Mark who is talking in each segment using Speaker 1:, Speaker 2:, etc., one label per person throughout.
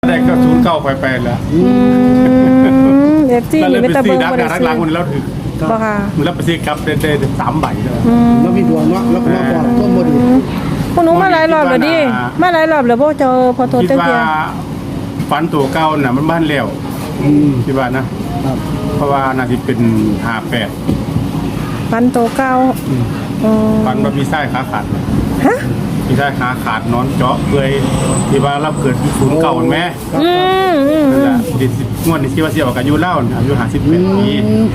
Speaker 1: ได้ก็09ไปแล้ว
Speaker 2: เอฟซีนี่ไม่ตะเบิงบ่ได้ซื้อ
Speaker 1: หลังคนแล้วถือ
Speaker 2: บ่ค่ะ
Speaker 1: มันรับไปซื้อกับได้3ใบเลย
Speaker 3: แล้วมีดวงเนาะแล้วก็มาบอกต้นบ่ดี
Speaker 2: พวกหนูมาหลายรอบแล้วดิมาหลายรอบแล้วบ่เจอพอโทษจังเที่ย
Speaker 1: ฝันตัวเก่าน่ะมันบ้านแล้วคิดว่านะครับเพราะว่าน่าจะเป็น58
Speaker 2: ฟันโตเก่า
Speaker 1: ฝันว่าพี่ชายขาขาด
Speaker 2: ฮะ
Speaker 1: พี่ชายขาขาดนอนเจาะเปื่อยที่ว่ารับเกิดที่ศูนย์เก่าแม่นั่นแหละงวดนี้คิดว่าสิออกอายุเล่าอายุ58ปี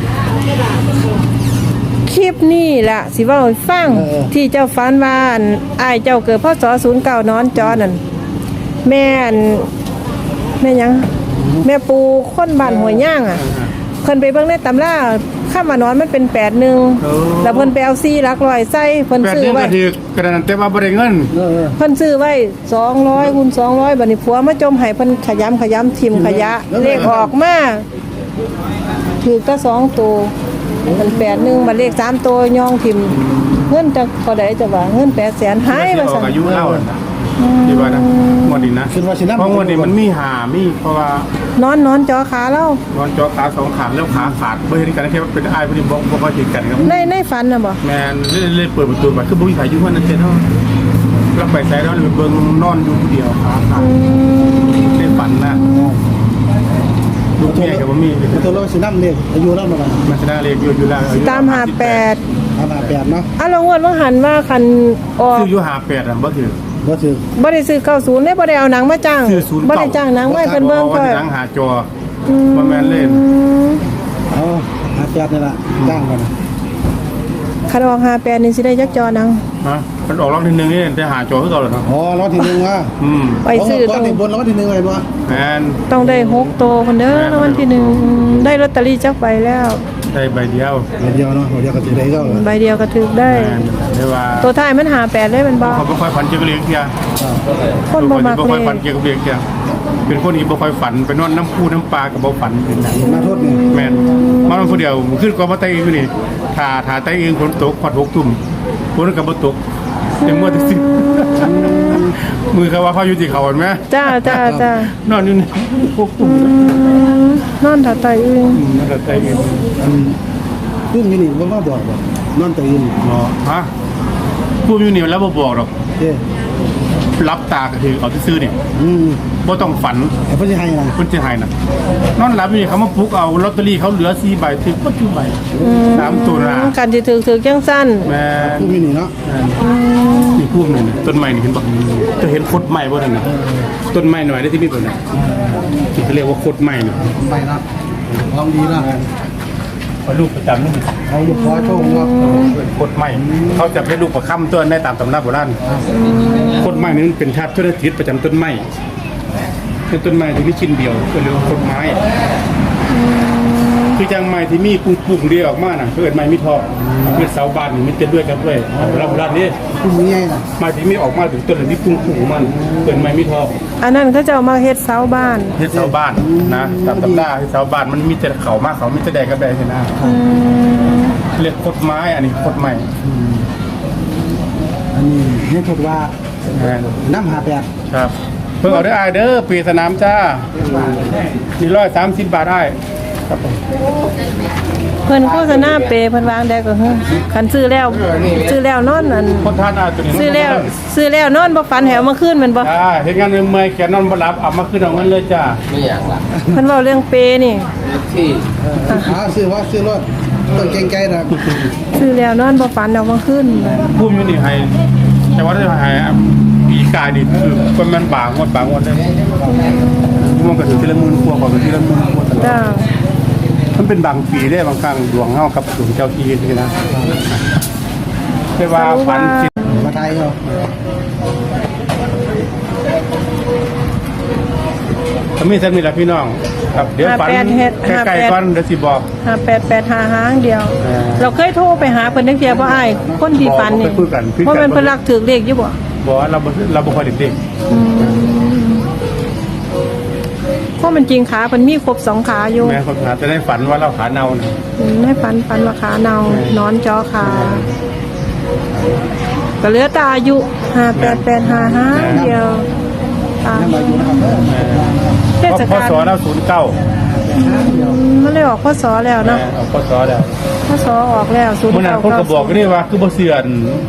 Speaker 2: คลิปนี่ล่ะสิเว้าให้ฟังที่เจ้าฝันว่าอ้ายเจ้าเกิดพศ09นอนจอนั่นแม่หยังแม่ปูคนบ้านห้วยย่างอ่ะเพิ่นไปเบิ่งในตำราข้ามมานอนมันเป็น81แล้วเพิ่นไปเอา4หลักร้อยใส่เพิ่นซื้อไว้
Speaker 1: กระนั้นแต่ว่าบ่ได้เงิน
Speaker 2: เพิ่นซื้อไว้200คูณ200บัดนี้ผัวมาจมให้เพิ่นขยำทิ่มขยะเลขออกมาถูกแต่2ตัวมัน81บัดเลข3ตัวย่องทิ่มเงินจักเท่าใดจะว่าเงิน800,000หายว่าซั่น
Speaker 1: อายุเล่าที่ว่านะงวดนี้นะเพราะงวดนี้มันมีเพราะว่าน
Speaker 2: อนจอขาแล้ว
Speaker 1: นอนจอขา2ขาแล้วขาขาดบ่เห็นกันแค่เป็นอ้ายบ่ได้บ่ค่อยเห็นกันครับ
Speaker 2: ในฝันน่ะบ่
Speaker 1: แม่นเลยเปิดประตูมาคือบ่มีใครอยู่เฮือนนั่นเด้เนาะแล้วไปใส่แล้วเบิ่งนอนอยู่ผู้เดียวขาขาดในฝันนะลูกแม่ก็บ่มี
Speaker 3: ตัวเราสินำเลขอายุเราบ่ล่ะ
Speaker 1: มันชนะเลขอยู่แล้ว
Speaker 2: ตาม58
Speaker 3: เนาะ
Speaker 2: ลงงวดว่าหันว่าคันออก
Speaker 1: ซื้ออยู่58อ่ะบ่ถือ
Speaker 2: บ่ได้ซื้อ90ได้บ่ได้เอาหนังมาจ้างบ่ได้จ้างหนังไว้เพิ่นเบิ่ง
Speaker 1: ก็หนังหาจอบ่แม่นเล่น
Speaker 3: เอา58นี่ล่ะจ้างกัน
Speaker 2: คันออก58นี่สิได้จักจอหนัง
Speaker 1: ฮะมันออกรอบที่1นี่ได้หาจอคือเก่าแล้วเนาะ
Speaker 3: อ๋อรอบที่1ว่ะ
Speaker 2: ไปซื้อ
Speaker 3: ต้องบนรอบที่1ไว้บ่
Speaker 1: แม่น
Speaker 2: ต้องได้6โตพุ่นเด้อรางวัลที่1ได้ลอตเตอรี่จักใบแล้ว
Speaker 1: ได้ใบเดียว
Speaker 3: เนาะเดี๋ยวก็สิได้ก็
Speaker 2: ใบเดียวก็ถูกได้ตัวท้ายมัน58ได้มันบ่
Speaker 1: เขาบ่ค่อยฝันเกี่ยวกับเรื่องเที่ย
Speaker 2: คนบ่มักเลย
Speaker 1: บ่ค่อยฝันเกี่ยวกับเรื่องเที่ยเป็นคนที่บ่ค่อยฝันไปนอนน้ำพุน้ำปลาก็บ่ฝันเป็นจัง
Speaker 3: มาโทษนี่
Speaker 1: แม่นมานอนผู้เดียวขึ้นก็มาไต้อยู่นี่ถ้าไต้เองฝนตกฮอด6 ทุ่มฝนก็บ่ตกแต่เมื่อที่10มือเขาว่าเขาอยู่ที่เขาเห็นมั้ย
Speaker 2: จ้าน
Speaker 1: อนอยู่นี่6 ทุ่ม
Speaker 2: นอนถ้าไต้เอง
Speaker 1: นอนถ้าไต้เอง
Speaker 3: พุ่มอยู่นี่บ่มาบอกบ่นอนตื่น
Speaker 1: อ๋อฮะพุ่มอยู่นี่แล้วบ่บอกหรอกรับตาก็คือเอาซื่อๆนี่บ่ต้องฝัน
Speaker 3: เพิ่นสิให้นะ
Speaker 1: เพิ่นสิให้น่ะนอนหลับอยู่นี่เขามาปลุกเอาลอตเตอรี่เขาเหลือ4ใบถึงบ่ถึงใบ3ตัวนะ
Speaker 2: กันสิถึกจังซั่น
Speaker 1: แม่
Speaker 3: พุ่มอยู่นี่เนาะ
Speaker 1: นี่พุ่มนี่ต้นไม้นี่เห็นบ่จะเห็นคดไม้บ่นั่นน่ะต้นไม้หน่อยได้ที่มีตัวน่ะที่เขาเรียกว่าคดไม้น่ะ
Speaker 3: ใบนะลองดีนะ
Speaker 1: ลูกประจำนี่
Speaker 3: เอาลูกขอโชคว่า
Speaker 1: คดไม้เขาจะให้ลูกประค่ำตัวได้ตามตำราโบราณคดไม้นี่เป็นธาตุธุรกิจประจำต้นไม้คือต้นไม้ที่มีชิ้นเดียวก็เรียกว่าคดไม้คือจังไม้ที่มีปุ่มเดียวออกมาน่ะเกิดไม้มีทองเกิดเสาบ้านนี่มันจะด้วยกันด้วยโบราณนี่
Speaker 3: ปุ่มนี้ไงน่ะ
Speaker 1: ไม้ที่มีออกมาถึงต้นที่ปุ่มมันเกิดไม้มีทอง
Speaker 2: อันนั้นเขาจะเอามาเฮ็ดเสาบ้าน
Speaker 1: เฮ็ดเสาบ้านนะตามตำราเฮ็ดเสาบ้านมันมีแต่เขามากเขามีแต่แดงกับแดงใช่ไหมเรียกคดไม้อันนี้คดไม้
Speaker 3: อันนี้นี่ถูกว่าน้ำ
Speaker 1: 58ครับเพิ่งเอาได้เด้อปีสนามจ้ามี130 บาทได้ครับ
Speaker 2: เพิ่นโฆษณาเปเพิ่นวางได้ก็เฮ้คันซื้อแล้วนอนนั่น
Speaker 1: คนทานตัวนี้
Speaker 2: ซื้อแล้วนอนบ่ฝันแหวมาคืนแม่นบ่
Speaker 1: เฮ็ดงานเมื่อยแขนนอนบ่หลับเอามาคืนเอาเงินเลยจ้า
Speaker 4: ไม่อยากล่ะ
Speaker 2: เพิ่นเว้าเรื่องเปนี่
Speaker 4: ที่
Speaker 3: ซื้อรถต้องเก่งใจนะ
Speaker 2: ซื้อแล้วนอนบ่ฝันเอามาคืน
Speaker 1: ภูมิอยู่นี่ให้แต่ว่าได้ให้ปีกายนี่คือคนมันบางงวดเลยมันก็ถือทีละ10,000กว่าก็ทีละ10,000กว่าจ้ามันเป็นบางปีได้บางครั้งดวงเฮากับดวงเจ้าที่นี่นะไม่ว่าฝัน
Speaker 3: มาไทยเนาะ
Speaker 1: ถ้ามีท่านมีล่ะพี่น้องครับเดี๋ยวฝันใกล้ๆก่อนเดี๋ยวสิบอก
Speaker 2: 5885หางเดียวเราเคยโทรไปหาเพิ่นจังเที่ยบ่อ้ายคนที่ฝันนี่เพราะมันเพิ่นรักถึกเลขอยู่บ่
Speaker 1: เราบ่ค่อยได้เด็ก
Speaker 2: เพราะมันจริงขาเพิ่นมีครบ2ขาอยู่
Speaker 1: แม่คนขาจะได้ฝันว่าเราขาเน่านะ
Speaker 2: ให้ฝันว่าขาเน่านอนจอขาก็เหลือตาอายุ5885หางเดียว
Speaker 3: ยังมาอยู่นะครับ
Speaker 2: เทศ
Speaker 1: พ
Speaker 2: กาล
Speaker 1: ศแล้ว09
Speaker 2: มันเลยออกพศแล้วเนาะ
Speaker 1: พศแล้ว
Speaker 2: พศออกแล้ว
Speaker 1: เมื่อนั้นคนก็บอกกันนี่ว่าคือบ่เสื่อน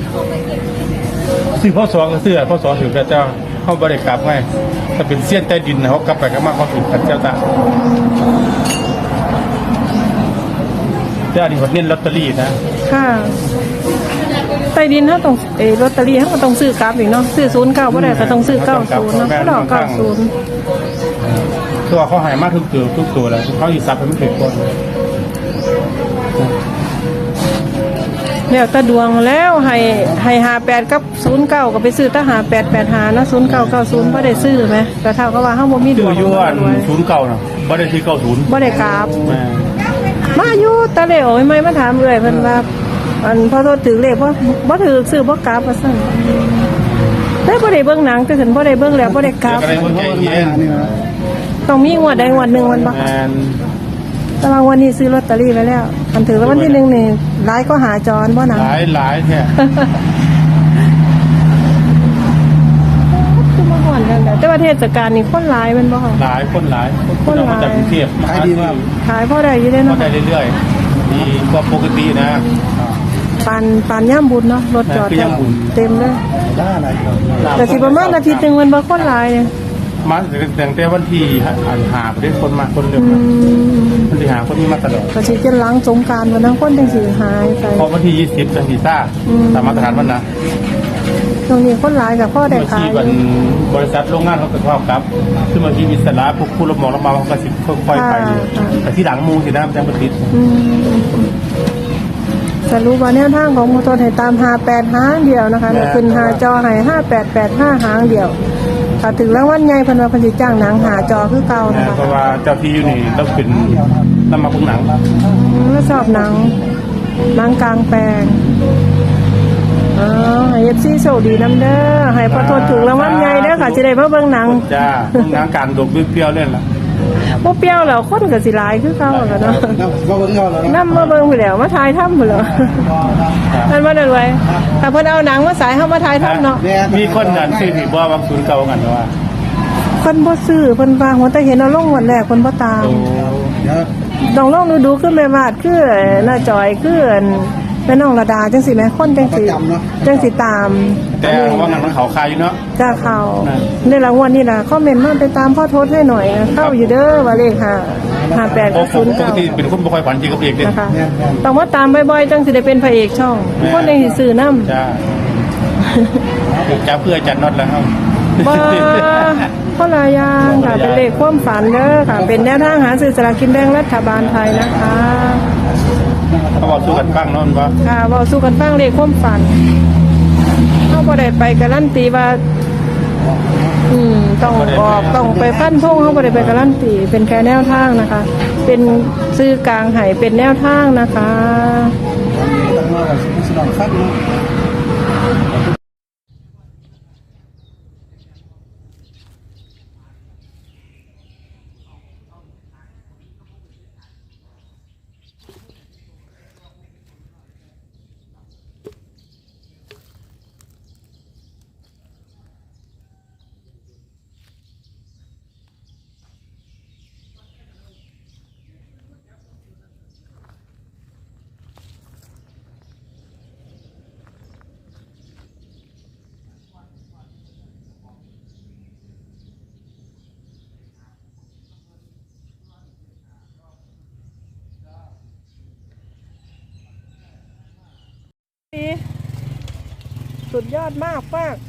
Speaker 1: ซื้อพศก็เสื่อพศถึงพระเจ้าเขาบ่ได้กลับไงถ้าเป็นเสี้ยนใต้ดินเขากลับไปก็มาเขาถึงพระเจ้าตาเจ้านี่วัดเน้นลอตเตอรี่นะ
Speaker 2: ค่ะใต้ดินเขาต้องลอตเตอรี่เขาก็ต้องซื้อกลับอีกเนาะซื้อ09บ่ได้ก็ต้องซื้อ90เนาะเขาดอก90
Speaker 1: ตัวเขาหายมากทุกตัวแล้วเขาอีสับให้มันถึงก่อน
Speaker 2: แล้วแต่ดวงแล้วให้58กับ09ก็ไปซื้อถ้า5885นะ0990บ่ได้ซื้อไหมก็เท่ากับว่าเฮาบ่มีด
Speaker 1: ชื่
Speaker 2: ว
Speaker 1: อง ย้อน09นะบ่ได้ที่90
Speaker 2: บ่ได้กราบ
Speaker 1: แม่
Speaker 2: มาอยู่ตะเลโอ้ยไม่มาถามเลยเพิ่นว่าอันพอโทษถือเลขบ่ถือซื้อบ่กราบว่าซั่นได้บ่ได้เบิ่งหนังแต่ถึงบ่ได้เบิ่งแล้วบ่ได้กราบ
Speaker 1: อะไรบ่ใจเย็น
Speaker 2: ต้องมีงวดใดงวดหนึงมันบ่
Speaker 1: แม่น
Speaker 2: แต่ว่าวันนี้ซื้อลอตเตอรี่ไว้แล้วอันถือแล้ววันที่1นี่หลายก็หาจรบ่หนัง
Speaker 1: หลายแท้
Speaker 2: คือมาก่อนกันแต่ว่าเทศกาลนี่คนหลายแม่นบ่คะ
Speaker 1: หลายคนมาจากกรุงเทพ
Speaker 3: ขายดีมาก
Speaker 2: ขายพอได้อยู่เด้
Speaker 1: ก็
Speaker 2: เนาะ
Speaker 1: ได้เรื่อยๆดีกว่าปกตินะ
Speaker 2: ปานย่ำบุญเนาะรถจอด
Speaker 1: คือย่ำบุญ
Speaker 2: เต็มเลย
Speaker 3: ได้อะไรครับ
Speaker 2: แต่สิประมาณอาทิตย์หนึงมันบ่คนหลายเนี่ย
Speaker 1: มาตั้งแต่วันที่หาประเด็นคนมาคนเดิมวันที่หาคนนี้มาตลอด
Speaker 2: ก็สิจะหลังสงกรานต์วันนั้นคนจังสิหายไป
Speaker 1: พอวันที่20จังสีซ่าตามมาตรฐานวันนะ
Speaker 2: ตรงนี้คนหลายกับพ่อได้
Speaker 1: เมื่อ
Speaker 2: ขา
Speaker 1: ที่
Speaker 2: ย
Speaker 1: วันบริษัทโรงงานเขาก็เข้าครับซึ่งบางทีอิสระพวกผู้รับเหมาเขาก็สิค่อยๆไปแต่ที่หลังมูสินะจังประดิษฐ์
Speaker 2: สรุปว่าแนวทางของมอเตอร์ให้ตาม58หางเดียวนะคะเนี่ยขึ้นหาจอให้5885หางเดียวถ้าถึงรางวัลใหญ่เพิ่นว่าเพิ่นสิจ้างหนังหาจอคือเก่านะคะ
Speaker 1: เพราะว่าเจ้าที่อยู่นี่ต้องเป็นนำมาพุ่งหนัง
Speaker 2: แล้วชอบหนังกลางแปลงให้ FC โชคดีนำเด้อให้พอโทษถึงรางวัลใหญ่เด้อค่ะสิได้มาเบิ่งหนัง
Speaker 1: จ้าพุ่งหนังการดกด้วยเปรี้ยวเล่นละ
Speaker 2: บ่เปรี้ยวแล้วคนก็สิหลายคือเก่าแล้วเนาะ
Speaker 3: มาเบิ่งยอดแล้ว
Speaker 2: นำมาเบิ่งพุ่นแล้วมาถ่ายทำพุ่นแล้วนั่นว่าได้รวยถ้าเพิ่นเอาหนังมาสายเฮามาถ่ายทำเนาะ
Speaker 1: มีคนนั้นซื้อที่บ่บางศูนย์เก่ากันว่า
Speaker 2: เพิ่นบ่ซื้อเพิ่นว่าหัวแต่เห็นเอาลงวันแรกเพิ่นบ่ตาม
Speaker 3: เดี๋ยว
Speaker 2: ต้องลองดูคือแม่วาดคือน้าจอยคือแม่น้องระดาจังสิแม่คนจังสิตาม
Speaker 1: แต่ว่างั้นมันเขาคายอยู่เนาะ
Speaker 2: จ้าเขาในรางวัลนี่ล่ะคอมเมนต์มาไปตามพ่อโทษให้หน่อยนะเข้าอยู่เด้อว่าเลข58
Speaker 1: ปกติ
Speaker 2: 09
Speaker 1: เป็นคนบ่ค่อยฝันจริงกับเอกเด้
Speaker 2: นะคะต้องมาตามบ่อยๆจังสิได้เป็นพระเอกช่องคนจังสิซื้อนำ
Speaker 1: จ้าจ้าเพื่อจัดน็อตแล้วครับ
Speaker 2: บ่คนละอย่างค่ะเป็นเลขความฝันเด้อค่ะเป็นแนวทางหาซื้อสลากกินแบ่งรัฐบาลไทยนะคะ
Speaker 1: เขาบอกสู้กันฟังเนาะว่า
Speaker 2: ค่ะเว้าสู่กันฟังเลขความฝันเฮาบ่ได้ไปการันตีว่าต้องออกต้องไปฟันธงเฮาบ่ได้ไปการันตีเป็นแค่แนวทางนะคะ เป็นซื้อกลางให้เป็นแนวทางนะคะ
Speaker 3: ตั้งมาว่าสิลองฟังเนาะ
Speaker 2: สุดยอดมากมาก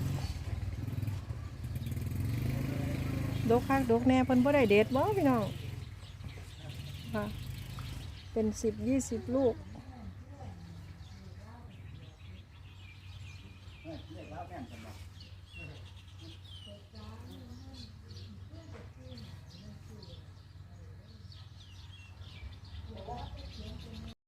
Speaker 2: ดกคักดกแน่เพิ่นบ่ได้เด็ดบ่พี่น้องค่ะเป็น10-20 ลูก